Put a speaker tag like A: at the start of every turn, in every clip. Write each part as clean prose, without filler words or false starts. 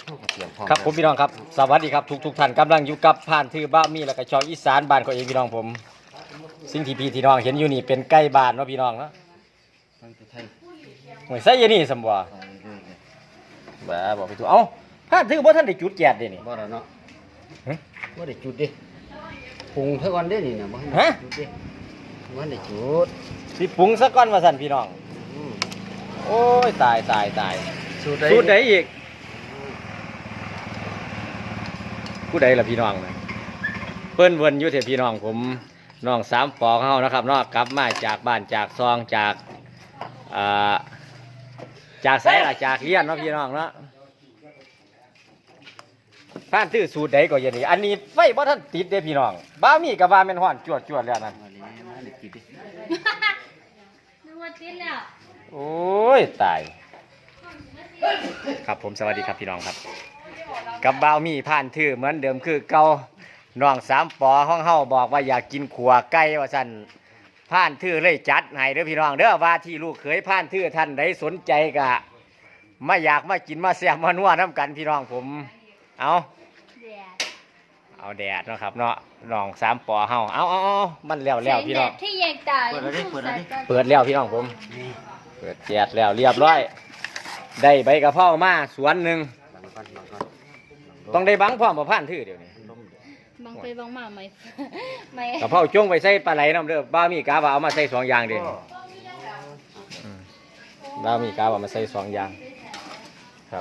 A: ครับผมพี่น้องครับสวัสดีครับทุกท่านกำลังอยู่กับผ่านทือบ้ามีและก็ช่องอีสานบ้านของเองพี่น้องผมสิ่งที่พี่ที่น้องเห็นอยู่นี่เป็นใกล้บ้านเนาะพี่น้องเนาะหวยไส้ยันนี่สมบัติบ้าบอกไปถูกเอ้าผ่านทือบ่ท่านได้จุดแจดเด้นี่
B: บ่แล้วเนาะบ่ได้จุดดิปรุงเท่ากันได้นี่นะบ่ให้จุดดิบ่ได้จุด
A: สิปรุงซะก่อนว่าสั่นพี่น้องโอ้ยตายสูตรใดอีกผู้ใดล่ะพี่น้องนะเพิ่นเวินอยู่เถอะพี่น้องผมน้องสามปอเฮานะครับเนาะกลับมาจากบ้านจากซองจากไสล่ะจากเรียนเนาะพี่น้องเนาะท่านตื้อสูตรใดก็อย่างนี้อันนี้ไฟบ่ท่านติดเด้พี่น้องบ้ามีกับว่าแม่นฮ้อนจวดแล้วนั่น
C: นึกว่าติดแล้ว
A: โอ้ยตายครับผมสวัสดีครับพี่น้องครับกับบ่าวมีผ่านทื่อเหมือนเดิมคือเก่าน้องสามปอห้องเฮาบอกว่าอยากกินขัวไก่ว่าซั่นผ่านทื่อเลยจัดให้เด้อพี่น้องเด้อว่าที่ลูกเขยผ่านทื่อท่านใดสนใจก็มาอยากมากินมาแซ่บมานัวน้ำกันพี่น้องผมเอาแดดเนาะครับเนาะน้องสามปอเฮาเอามันแล้วพี่น้อง
C: ที่แยกตายเ
A: ปิดแล้วพี่น้องผมเปิดแจดแล้วเรียบร้อยได้ใบกะเพรามาสวนหนึ่งต้องได้บังพร้อมกับผ่านทื่อเดี๋ยวนี้
C: บังไปบังมาไหม
A: กะเพราจ้งไปใส่ปลาไหลน้ำเด้อบ้ามีกาว่าเอามาใส่สองอย่างเดียวบ้ามีกาว่ามาใส่สองอย่างครับ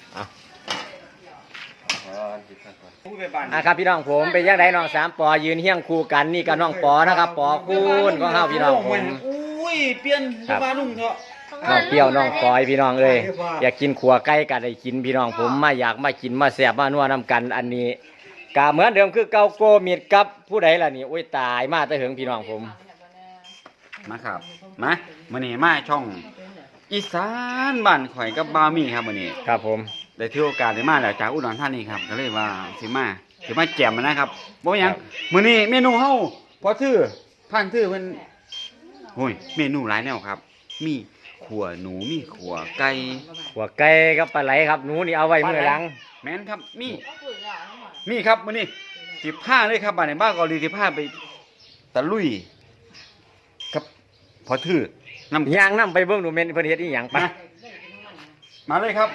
A: ครับพี่น้องผมเป็นยังไงน้องสามปอยืนเฮี้ยงคู่กันนี่กับน้องปอนะครับปอคุณของเฮาพี่น้องผม
B: อุ้ยเปลี่ยนมานุ่งเถอะ
A: น้องเปรี้ยวน้องปอยพี่น้องเอ้ยอยากกินขัวไก่ก็ได้กินพี่น้องผมมาอยากมากินมาแซ่บมานัวน้ำกันอันนี้กะเหมือนเดิมคือเกาโกมิดกับผู้ใดล่ะนี่โอ้ยตายมาแต่เหิงพี่น้องผม
B: มาครับมามื้อนี้มาช่องอีสานบ้านข่อยกับบามี่ครับมื้อนี้
A: ครับผม
B: ได้ถือโอกาสได้มาแล้วจากอุดรธานีครับก็เลยว่าสิมาแจ่มนะครับบ่หยังมื้อนี้เมนูเฮาพอถือผ่านถือเพิ่นโอ้ยเมนูหลายแนวครับมีขัวหนูมีขัวไก่
A: กับปลาไหลครับหนูนี่เอาไว้มื้อหลัง
B: แม่นครับมีครับมื้อนี้15เลยครับบ้านในบ้านเกาหลี15ไปตะลุยครับพอถือนำ
A: ย่างนำไปเบิ่งดูแม่นเพิ่นเฮ็ดอีหยัง
B: มาเลยครับ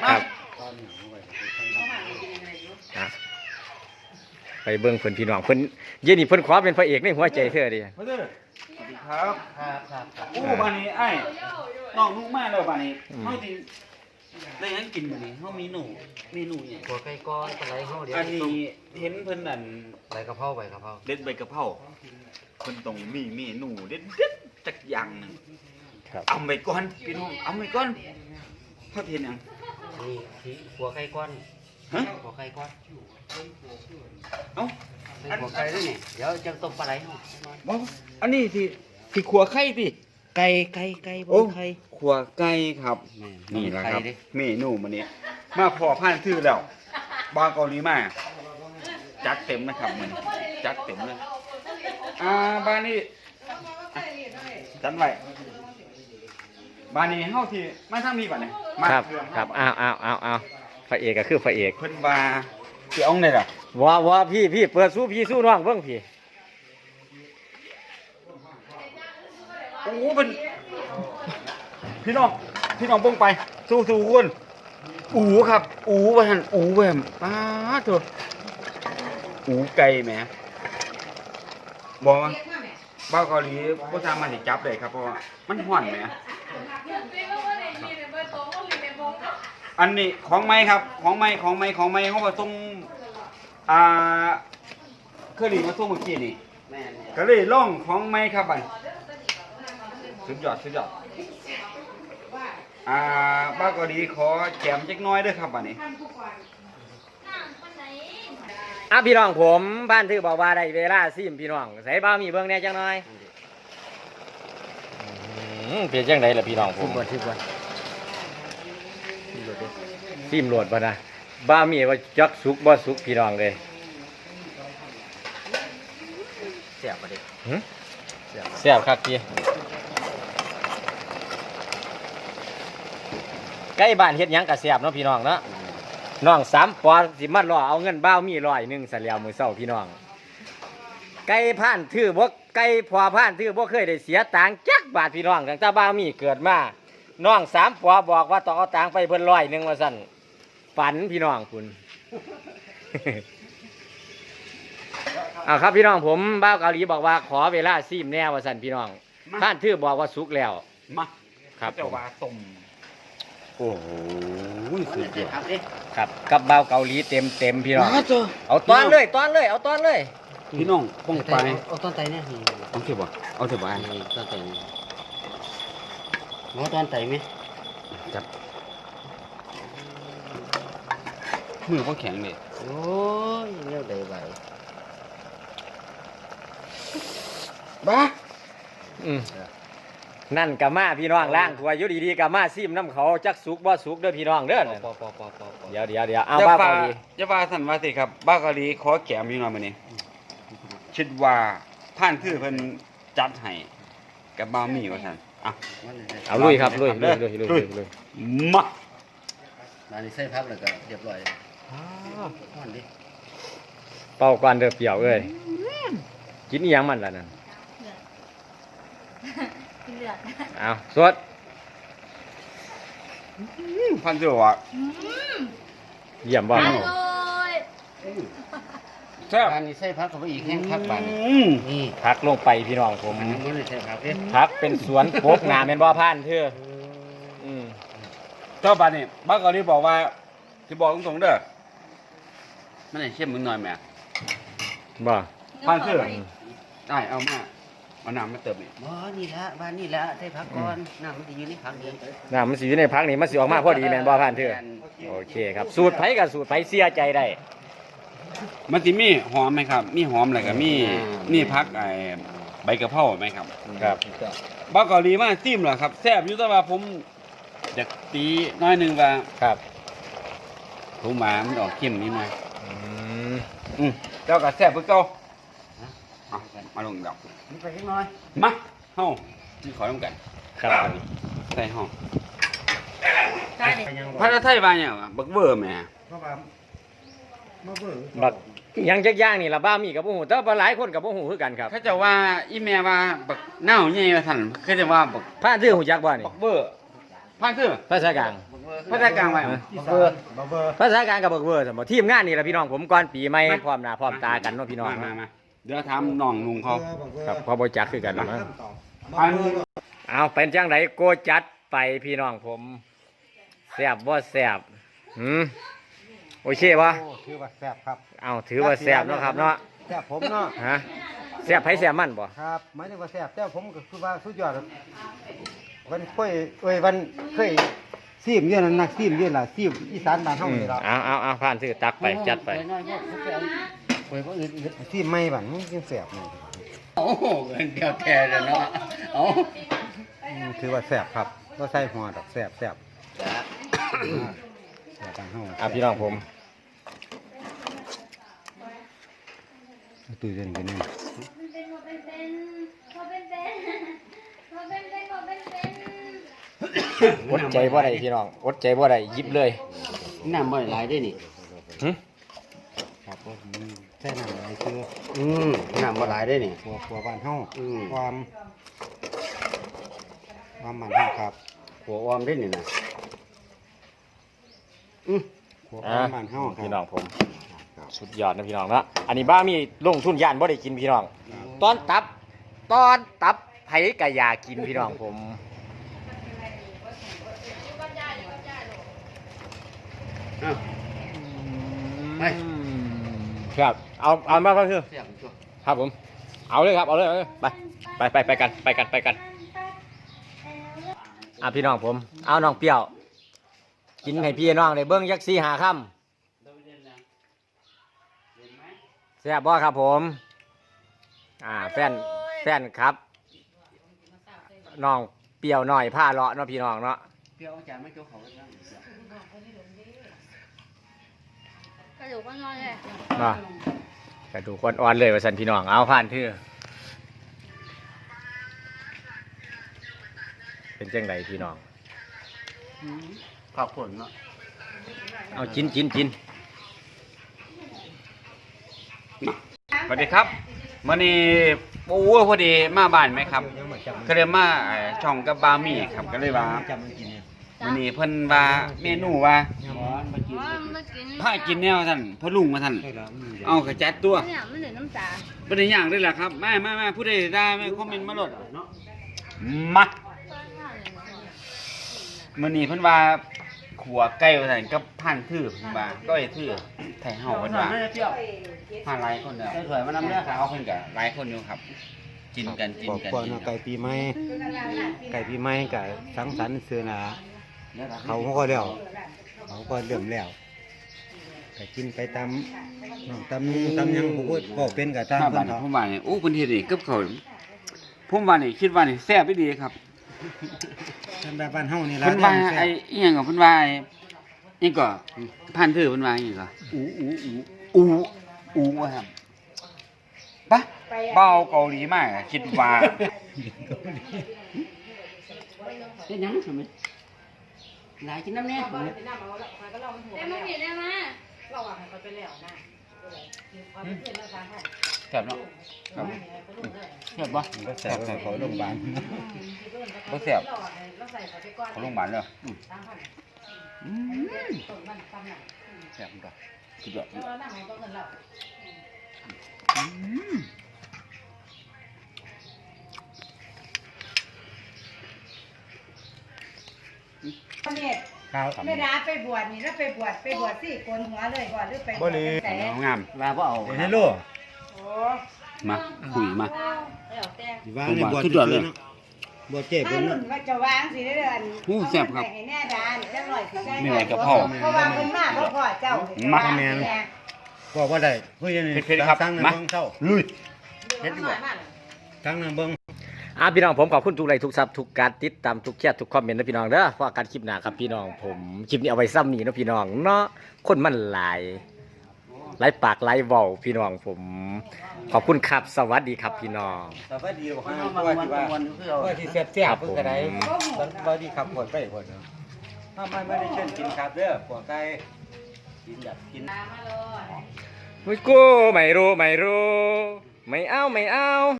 A: ไปเบิ่งเพิ่นพี่น้องเพิ่นเย็นนี่เพิ่นขอเป็นพระเอกในหัวใจเธอดิ
B: สวัสดีครับอู้บ้านนี้ไอ้น้องนุ่งมาแล้วบ้านนี้เฮาสิได้ยังกินมื้อนี้เฮามีเมนูหยัง
D: ขัวไก่ก้อนปลาไหลเฮาเดี๋ยว
B: อันนี้เห็นเพิ่นนั่น
D: ใบกะเพรา
B: เด็ดใบกะเพราเพิ่นต้องมีเมนูเด็ดจักอย่างนึง
A: ครับ
B: เอาไปก่อนพี่น้องเอาไปก่อนเฮาเห็นหยัง
D: นี่ขัวไก่ก้อน
B: ฮะ
D: ขัวไก่ก้อน
B: เอ้า
D: ขัวไก่ด้วยนี่เดี๋ยวจะต้มปลาไหล
B: บ่อันนี้สิขัวไข่ติ
D: ไก่บ่ไข่
B: ขัวไก่ครับนี่แหละครับเมนูมื้อนี้มาพอผ่านทื่อแล้วบ้านเกาหลีมาจัดเต็มนะครับมื้อนี้จัดเต็มเลยบ้านนี้จัดไว้บ้านนี้เฮาที่มาทางนี้ก่อนนี่
A: ครับเอาพระเอกก็คือพระเอก
B: เพิ่นว่าสิเอาได้ล่ะ
A: ว่าพี่เปิดสู้น้องเบิ่ง
B: โอ้เป็นพี่น้องเบิ่งไปสู้คุณครับว่าหั่นแหวมป้าเถอะไก่แหมบ่บ้าเกาหลีบ่สามารถสิจับได้ครับเพราะว่ามันร้อนแหมอันนี้ของไม้ครับของไม้เฮามาส่งเคยได้มาส่งเมื่อกี้นี่ก็เลยลองของไม้ครับบัดสุดยอดบ้าเกาหลีขอแจมจักน้อยเด้อครับบัดนี้
A: พี่น้องผมบ้านถือบอกว่าได้เวลาซิมพี่น้องใส่บ้ามีเบิ่งแน่จังหน่อยเปลี่ยนจังไดล่ะพี่น้องผมซิมโหลดบ่นะบ้ามีว่าจักสุกบ่สุกพี่น้องเลย
D: แซ่บบ่ดิ
A: แซ่บคักพี่ใกล้บ้านเฮ็ดหยังก็แซ่บเนาะพี่น้องเนาะน้อง3ปอสิมารอเอาเงินบ้าวมี100ซะแล้วมื้อเช้าพี่น้องไก่ผ่านถือบ่ไก่พอผ่านถือบ่เคยได้เสียตังค์จักบาทพี่น้องตั้งแต่บ้าวมีเกิดมาน้อง3ปอบอกว่าต้องเอาตังค์ไปเพิ่น100ว่าซั่นฝันพี่น้องคุณ เอาครับพี่น้องผมบ้าวเกาหลีบอกว่าขอเวลาซีมแน่ว่าซั่นพี่น้องผ่านถือบอกว่าสุกแล้ว
B: มา
A: ครับ
B: เจ้าว่าต้ม
A: โอ้โหสุดยอด
D: ครับเอ๊ะ
A: ครับกับบ้าวเกาหลีเต็มพี่น้อง
B: มาเจ้า
A: เอาตอนเลยเอาตอนเลย
B: พี่น้องป้องไป
D: เอาต้นไตเนี่ยนี่
B: เอาเถอะบ่เอาเถอะบ่
D: นี่ต้นไตนี่เอาต้นไตไหม
B: จับมือบ่แข็งเลย
D: โอ้ยเลี้ยวได้ไหว
B: บ้า
A: อืมนั่นกับมาพี่น้องล่างถัวอยู่ดีๆกับมาซิมน้ำเขาจักสุกบ่สุกเด้อพี่น้องเด้อนั่น
D: ปอ
A: เดี๋ยวเอาบ้าวเกาหลี
B: อย่าว่าสั่นว่าสิครับบ้าเกาหลีขอแก้มอยู่หน่อยมื้อนี้คิดว่าผ่านคือเพิ่นจัดให้กับบ่าวมีว่าซั่นอ่ะ
A: เอาลุยครับลุย
B: เด้อลุย มา
D: มานี่ใส่พักแล้วก็เรียบร้อยห่อนดิ
A: เป่าก่อนเด้อเปรี้ยวเอ้ยกินอีหยังมันล่ะนั่น
C: กินเลือด
A: เอาสด
B: พันเจ้าว่า
A: เยี่ยมบ่
C: อร่อย
B: แซ่บ
D: มานี่ใส่พักเข้าไปอีกแห้งพักบาน นี่
A: พักลงไปพี่น้องผม
D: มันบ่ได้ใส่พักเด้
A: พักเป็นสวนโกกงามแม่นบ่ผ่านเธออืม
B: เจ้าบานนี่บ้าเกาหลีบอกว่าสิบอกตรงๆเด้อมันให้เข้มมึงหน่อยแหม่
A: บ่
B: ผ่านคือได้เอามาเอาน้ำมาเติมอีก
D: บ่นี่ละบ้านนี่ละใส่พักก่อนน้ำมันสิอยู่ในพักเดียว
A: น้ำมันสิอยู่ในพักนี่มันสิออกมาพอดีแม่นบ่ผ่านเธอโอเคครับสูตรไผกับสูตรไผเสียใจได้
B: มันสิมีหอมไหมครับ มีหอมอะไรก็มีพักไอ้ใบกะเพราไหมครับ
A: ครับ
B: บ้าเกาหลีมาซิมเหรอครับแซ่บอยู่แต่ว่าผมอยากตีน้อยหนึงว่า
A: ครับ
B: ผมหมามันออกเข้มนิดหน่อย
A: อืม
B: เจ้าก็แซ่บคือเก่าเอามาลงดอก
D: นี่ไปเล็กน้อย
B: มาเฮาที่ขอต้องกัน
A: ครับ
B: ใส่ห้อง
C: ใช่ดิ
B: ภาษาไทยว่าหยังวะบักเบอร์แหม่
A: บักอิหยังจักอย่างนี่ล่ะบ้ามีกับบ่ฮู้แต่ว่าหลายคนกับบ่ฮู้คือกันครับ
B: เขาจะว่าอีแม่ว่าบักเน่าใหญ่ว่าซั่นเขาจะว่าบัก
A: ผ่านเธอฮู้จักบ่นี่
B: บักเบอร์พังคือ
A: ภาษากลาง
B: ภาษากลางว่าหยัง
D: เบอร์
A: ภาษากลางกับเบิกเวอร์สมทีมงานนี่ล่ะพี่น้องผมก่อนปีใหม่พร้อมหน้าพร้อมตากันเนาะพี่น้อง
B: มาเดี๋ยวถามน้องลุงเขา
A: ครับพอบ่จักคือกันเนาะ
B: พัง
A: เอาเป็นจังไดโกจัดไปพี่น้องผมแซ่บบ่แซ่บโอเคบ่
E: ถือว่าแซ่บครับ
A: เอาถือว่าแซ่บเนาะครับเนาะ
E: แซ่บผมเนาะ
A: ฮะแซ่บไผแซ่บมันบ่
E: ครับหมายถึงว่าแซ่บแต่ผมก็คือว่าสุดยอดวันค่อยวันเคยซีมเยอะนะนักซีมเยอะล่ะซีมอีสานบ้านเฮานี่ล่ะ
A: เอาผ่านถือตักไปจัดไป
D: น้อยๆเขาไปเอาไปบ่อื่น
E: ซีมใหม่บ้านมันจังแซ่บนี่
D: โอ้โหเดียวแท้เลยเนาะเอา
E: ถือว่าแซ่บครับบ่ใส่หัวดอกแซ่บแซ่บ
D: จ้ะ
E: แซ่บบ้านเฮา
A: พี่น้องผม
E: ตู้เย็นกันนี่
A: อดใจบ่ได้พี่น้องอดใจบ่ได้หยิบเลย
D: น้ำบ่ได้หลายเด้นี่
A: หึ
E: ครับผมใส่น้ำอะไรคือ
D: น้ำบ่หลายเด้นี่
E: ครัวบ้านเฮา
D: อืม
E: ความบ้านเฮาครับ
D: หัวออมเด้นี่นะ
E: ครัวบ้านเฮาครับ
A: พี่น้องผมสุดยอดนะพี่น้องเนาะอันนี้บ้ามีลงทุนย่านบ่ได้กินพี่น้องตอนตับไผกะอยากกินพี่น้องผม
D: อ้าว ไป
A: ครับเอามาก็คือ
D: เสียงตัว
A: ครับผมเอาเลยครับเอาเลยไปกันพี่น้องผมเอาน้องเปรี้ยวกินให้พี่น้องได้เบิ้งยักษ์4-5ค่ำแซ่บบ่ครับผมแฟนครับน้องเปรี้ยวหน่อยผ้าเลาะเนาะพี่น้องเนาะ
D: เปรี้ยวจานไม่เกี่ยวเขาแล้ว
C: กระดูกก็น้อยเลย
A: ว่กระดูกอ่อนๆเลยว่าสันพี่น้องเอาผ่านทื่อเป็นจังไดพี่น้อง
D: ขอบคุณเนาะ
A: เอาจินจินจิน
B: สวัสดีครับมื้อนี้โอ้พอดีมาบ้านไหมครับ ก็เลยมาช่องกับบามี่ครับก็เลยว่ามื้อนี้เพิ่นว่าเมนูว่า
C: ไม่กิน
B: พากินแนวท่านพ่อลุงมาท่านเอากระจัดตัว
C: เนี่ยมันเหลือน้ำตา
B: บ่ได้ย่างด้วยล่ะครับมาผู้ใดได้ไม่คอมเมนต์มาโลดมามื้อนี้เพิ่นว่าขัวไก่ว่าซั่นกับผ่านทื่อเพิ่นว่าก็ไอ้ทื่อไทยเฮาเพิ่นว่าผ่านหลายคนแล้ว
D: ใส่ถ้วยมานำเด้อ
B: เอาเพิ่นก็หลายคนอยู่ครับ กินกัน
E: บอกก่อนว่าไก่ปีใหม่ไก่ปีใหม่ก็สังสรรค์ซื้อหนาเขาก็แล้วเขาก็เริ่มแล้วก็กินไปตามน้องตำนุ่งตำหยังผู้ก็เป็นก็ตาม
B: ถ้า
E: เพิ่
B: บ้าน
E: นเขา
B: ผมว่านี่โอ้เพิ่นเฮ็ดนี่กับข้าวผมว่านี่คิดว่านี่แซ่บอีหลีครับ
E: ทำแบบบ้านเฮานี่ล่ะ
B: เพิ่นว่าไอ้อีหยังก็เพิ่นว่าไอ้นี่ก็ผ่านทื่อเพิ่นว่าอีหยังก็อูว่าครับปะเบาเกาหลีมากอะคิดว่า
D: เฮ็ดหยังซั่นแม่หลายกินน้ำแน่
C: แต่มันผิดได้ไหม
B: แซ่บเนาะครับแซ่บบ่
E: ก็แซ่บเขาโรงพยาบาล
B: บ่แซ่บเขาโรงพยาบาลเด้อแซ่บบ่สุดยอดครับ
F: ไม่ได้ไปบวชนี่แล้วไปบวชสิโกนหัวเลยก่อนหรือไปบ
E: บ่
F: วช
E: เลย
F: แต่
B: เอางาม
D: ว่าบ่เอา
E: เฮลโล
B: มาคุยมา
C: แล้วแต่
E: สิว่าในบ่
B: สุดยอดเลย
E: บ่เจ็บ
F: ถ้า
E: เพิ่น
F: หนุนว่าจะวางสิได้เดือน
B: โอ้แซ่บครับ
F: ให้แน่ดานจังหน่อยสิได้
B: มีอะไรกับพ่อ
F: เพราะว่าเพิ่นมาเพราะพ่อเจ้า
B: มา
F: แม่
E: ก็บ่ได้เฮ้ยนี่
B: เผ็ดๆครับ
E: ตั้งใน
B: มา
E: เบิ่งเช้า
B: ลุย
F: เฮ็ดดีกว่า
E: ตั้งในเบิ่ง
A: พี่น้องผมขอบคุณทุกไลค์ทุกซับทุกการติดตามทุกแชร์ทุกคอมเมนต์นะพี่น้องเด้อเพราะการคลิปหน้าครับพี่น้องผมคลิปนี้เอาไว้ซ้ำนี่เนาะพี่น้องเนาะคนมันหลายปากหลายเว้าพี่น้องผมขอบคุณครับสวัสดีครับพี่น้อง
E: สวัสดีบ่
D: เอา
E: ว่า
D: มา
E: ที่ว่า
D: วันๆคือเอา
E: ว่าที่แซ่บๆเพิ่นก็ได้สวัสดีครับปวดไปปวดเนาะถ้าไม่ได้เชิญกินครับเด้อปวดไก่กินแบบกิน
A: ไม่กู้ไม่รู้ไม่เอา